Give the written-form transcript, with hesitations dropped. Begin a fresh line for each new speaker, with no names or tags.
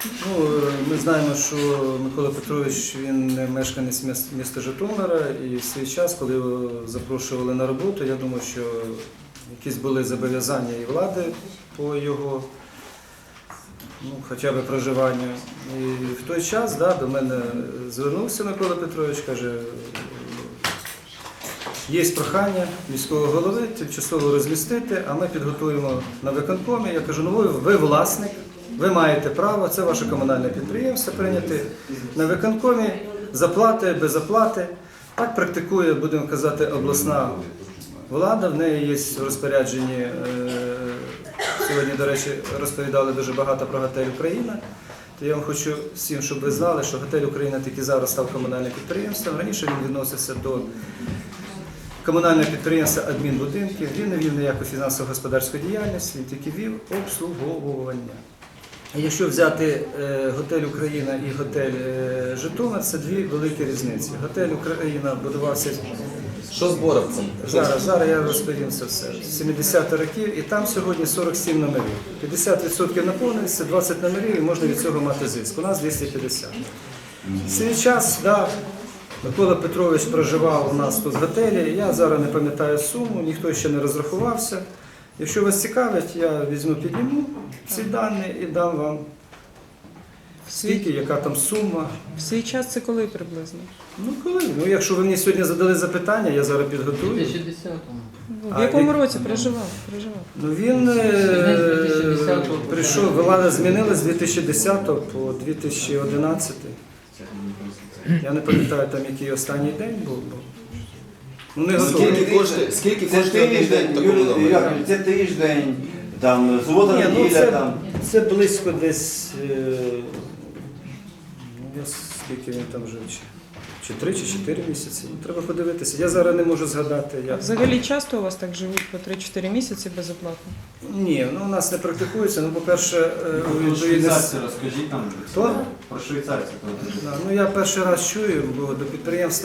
Ну, ми знаємо, що Микола Петрович, він не мешканець міста Житомира, і в свій час, коли його запрошували на роботу, я думаю, що якісь були зобов'язання і влади по його хоча б проживанню. І в той час до мене звернувся Микола Петрович, каже, є прохання міського голови тимчасово розмістити, а ми підготуємо на виконкомі. Я кажу, ну ви власник, ви маєте право, це ваше комунальне підприємство прийняти на виконкомі, заплати, без оплати. Так практикує, будемо казати, обласна влада, в неї є в розпорядженні, сьогодні, до речі, розповідали дуже багато про готель «Україна». То я вам хочу всім, щоб ви знали, що готель «Україна» тільки зараз став комунальним підприємством. Раніше він відносився до комунального підприємства адмінбудинків, він не вів ніяку фінансово-господарську діяльність, він тільки вів обслуговування. Якщо взяти готель «Україна» і готель «Житомир», це дві великі різниці. Готель «Україна» будувався...
Що з Боровцем?
Зараз я розповім це все. 70-х років, і там сьогодні 47 номерів. 50% наповнюється, 20 номерів, і можна від цього мати зиск. У нас 250. В свій час, Микола Петрович проживав у нас тут в готелі, я зараз не пам'ятаю суму, ніхто ще не розрахувався. Якщо вас цікавить, я візьму, підніму ці дані і дам вам скільки, яка там сума.
В свій час це коли приблизно?
Ну коли? Ну якщо ви мені сьогодні задали запитання, я зараз підготую.
2010-му.
В якому році проживав?
Ну він прийшов, влада змінилась з 2010 по 2011. Я не пам'ятаю там, який останній день був. Ну, не готовий.
Скільки коштує один день такому номері?
Це тиждень, там, субота,
Ні,
неділя,
це близько десь, скільки він там жив, чи 3, чи 4 місяці. Треба подивитися. Я зараз не можу згадати.
Взагалі часто у вас так живуть по 3-4 місяці безоплатно?
Ні, у нас не практикується. Ну, по-перше,
Про швейцарців розкажіть нам.
Хто?
Про швейцарців.
Ну, я перший раз чую, бо до підприємства